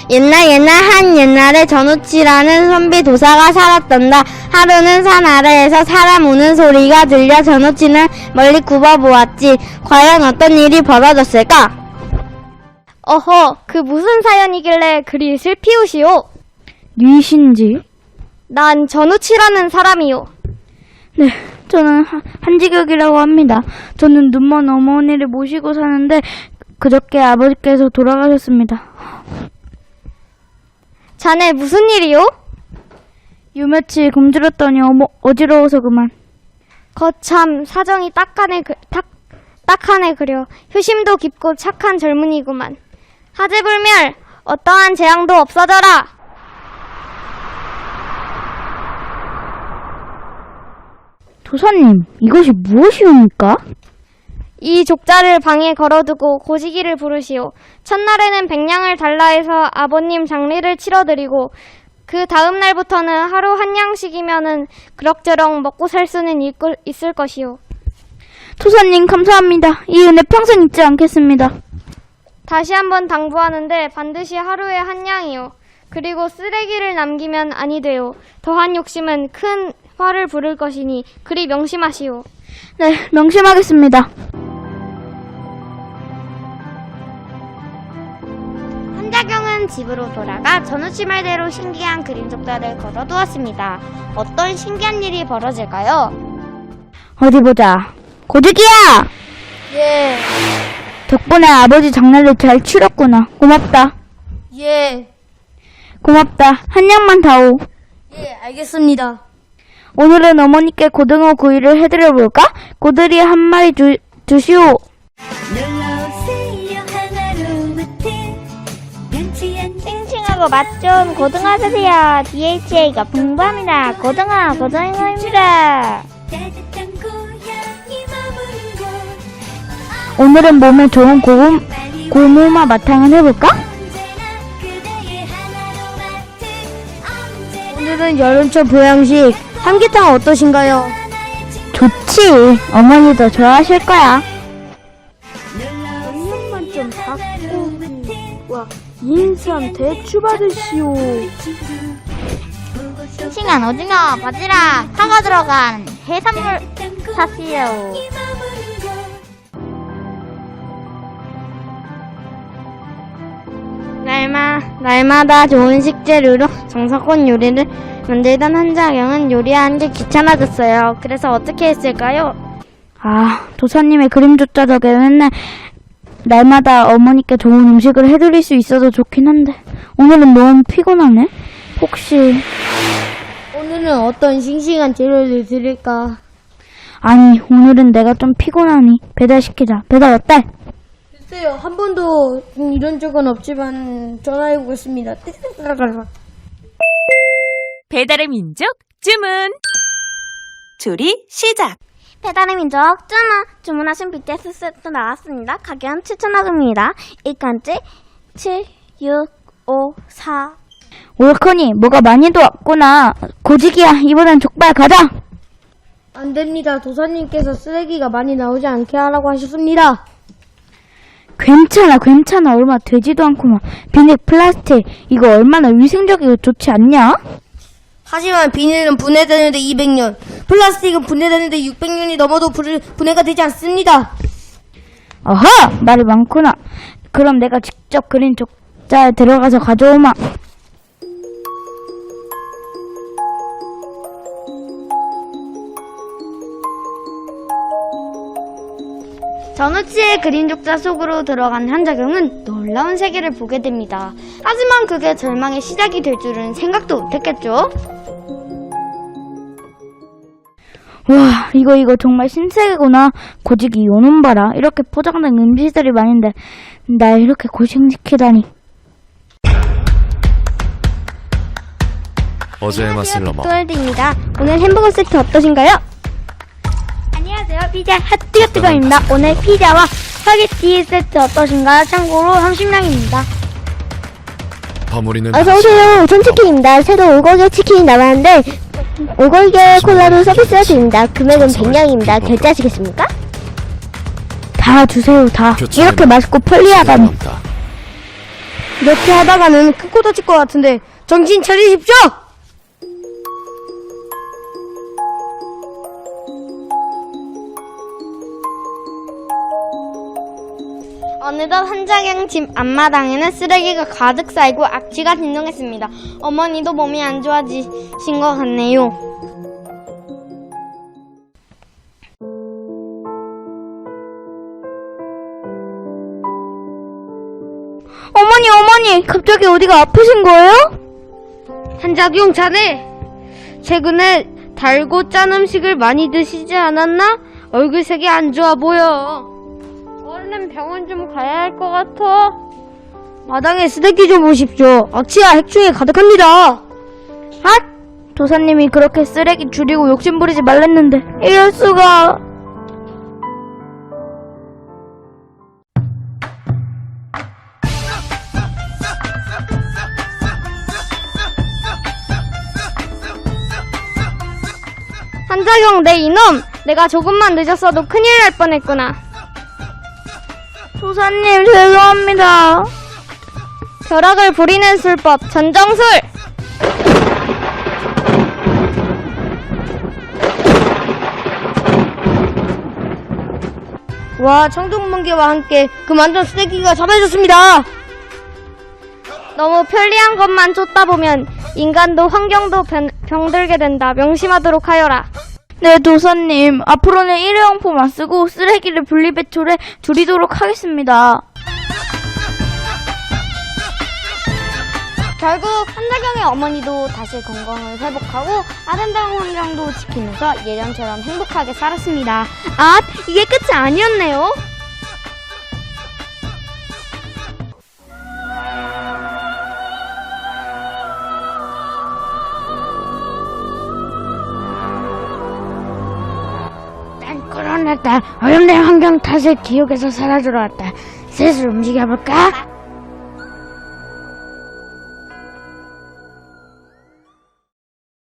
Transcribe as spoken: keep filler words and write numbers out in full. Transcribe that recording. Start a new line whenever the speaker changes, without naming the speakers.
옛날 옛날 한 옛날에 전우치라는 선비 도사가 살았단다. 하루는 산 아래에서 사람 우는 소리가 들려 전우치는 멀리 굽어보았지. 과연 어떤 일이 벌어졌을까?
어허, 그 무슨 사연이길래 그리 슬피우시오?
니신지?
난 전우치라는 사람이요.
네, 저는 하, 한지격이라고 합니다. 저는 눈먼 어머니를 모시고 사는데 그저께 아버지께서 돌아가셨습니다.
자네 무슨 일이요?
유며칠 굶주렸더니 어머, 어지러워서 그만.
거참 사정이 딱하네 그, 딱, 딱하네 그려. 효심도 깊고 착한 젊은이구만. 하재불멸 어떠한 재앙도 없어져라.
도사님, 이것이 무엇이옵니까?
이 족자를 방에 걸어두고 고시기를 부르시오. 첫날에는 백냥을 달라 해서 아버님 장례를 치러드리고 그 다음 날부터는 하루 한 냥씩이면은 그럭저럭 먹고 살 수는 있을 것이오.
도사님 감사합니다. 이 은혜 평생 잊지 않겠습니다.
다시 한번 당부하는데 반드시 하루에 한 냥이요. 그리고 쓰레기를 남기면 아니 돼요. 더한 욕심은 큰 화를 부를 것이니 그리 명심하시오.
네, 명심하겠습니다.
한자경은 집으로 돌아가 전우치 말대로 신기한 그림 족자를 걸어두었습니다. 어떤 신기한 일이 벌어질까요?
어디 보자. 고득이야!
예,
덕분에 아버지 장례를 잘 치렀구나. 고맙다.
예,
고맙다. 한 냥만 다오.
예, 알겠습니다.
오늘은 어머니께 고등어 구이를 해드려볼까? 고들이 한 마리 주, 주시오.
싱싱하고 맛 좋은 고등어 드세요. 디에이치에이가 풍부합니다. 고등어, 고등어입니다.
오늘은 몸에 좋은 고구, 고무마 마탕을 해볼까?
오늘은 여름철 보양식 삼계탕 어떠신가요?
좋지. 어머니도 좋아하실 거야.
양념만 좀 닭고기와 인삼 대추 받으시오.
싱싱한 오징어, 바지락, 파가 들어간 해산물 사시오. 날마, 날마다 좋은 식재료로 정성껏 요리를 만들던 한자경은 요리하는 게 귀찮아졌어요. 그래서 어떻게 했을까요?
아, 도사님의 그림 족자 덕에 맨날 날마다 어머니께 좋은 음식을 해드릴 수 있어서 좋긴 한데 오늘은 너무 피곤하네. 혹시
오늘은 어떤 싱싱한 재료를 드릴까?
아니 오늘은 내가 좀 피곤하니 배달시키자. 배달 어때?
글쎄요, 한 번도 이런 적은 없지만 전화해보겠습니다.
배달의 민족 주문. 조리 시작.
배달의 민족 주문! 주문하신 비티에스 세트 나왔습니다. 가격은 칠천원 원입니다. 일간지 칠, 육, 오, 사.
옳거니 뭐가 많이도 왔구나. 고지기야 이번엔 족발 가자.
안 됩니다. 도사님께서 쓰레기가 많이 나오지 않게 하라고 하셨습니다.
괜찮아 괜찮아. 얼마 되지도 않구만. 비닐 플라스틱 이거 얼마나 위생적이고 좋지 않냐?
하지만 비닐은 분해되는데 이백 년, 플라스틱은 분해되는데 육백 년이 넘어도 분, 분해가 되지 않습니다.
어허! 말이 많구나. 그럼 내가 직접 그린 족자에 들어가서 가져오마.
전우치의 그림 족자 속으로 들어간 한자경은 놀라운 세계를 보게 됩니다. 하지만 그게 절망의 시작이 될 줄은 생각도 못했겠죠?
와, 이거 이거 정말 신세계구나. 고지기 요놈 봐라. 이렇게 포장된 음식들이 많은데 날 이렇게 고생시키다니.
어제의 맛을 넘어
뚜월드입니다. 오늘 햄버거 세트 어떠신가요? 안녕하세요. 피자 핫뜨거뜨거입니다. 오늘 피자와 스파게티 세트 어떠신가요? 참고로 삼십 냥입니다.
버무리는
어서오세요. 우선치킨입니다. 새로 오골계 치킨이 나왔는데 오골계 콜라로 서비스가 드립니다. 금액은 백 냥입니다. 결제하시겠습니까?
다 주세요 다.
교체는
이렇게 맛있고 편리하다니.
남다.
이렇게 하다가는 큰 코 다칠 것 같은데 정신 차리십시오!
어느덧 한자경 집 앞마당에는 쓰레기가 가득 쌓이고 악취가 진동했습니다. 어머니도 몸이 안 좋아지신 것 같네요.
어머니, 어머니, 갑자기 어디가 아프신 거예요?
한자경 자네, 최근에 달고 짠 음식을 많이 드시지 않았나? 얼굴색이 안 좋아 보여. 얼른 병원 좀 가야 할 것 같아. 마당에 쓰레기 좀 보십시오. 악취와 해충이 가득합니다.
아! 도사님이 그렇게 쓰레기 줄이고 욕심부리지 말랬는데 이럴 수가.
한자경, 내 이놈! 내가 조금만 늦었어도 큰일 날 뻔했구나.
도사님, 죄송합니다.
벼락을 부리는 술법, 전정술!
와, 청동번개와 함께 그 만든 쓰레기가 잡아졌습니다.
너무 편리한 것만 쫓다 보면 인간도 환경도 변, 병들게 된다. 명심하도록 하여라.
네, 도사님. 앞으로는 일회용품 안 쓰고 쓰레기를 분리배출해 줄이도록 하겠습니다.
결국 한자경의 어머니도 다시 건강을 회복하고 아름다운 환경도 지키면서 예전처럼 행복하게 살았습니다.
아, 이게 끝이 아니었네요.
난 코로나 때 오염된 환경 탓에 기억에서 사라지러 왔다. 슬슬 움직여볼까?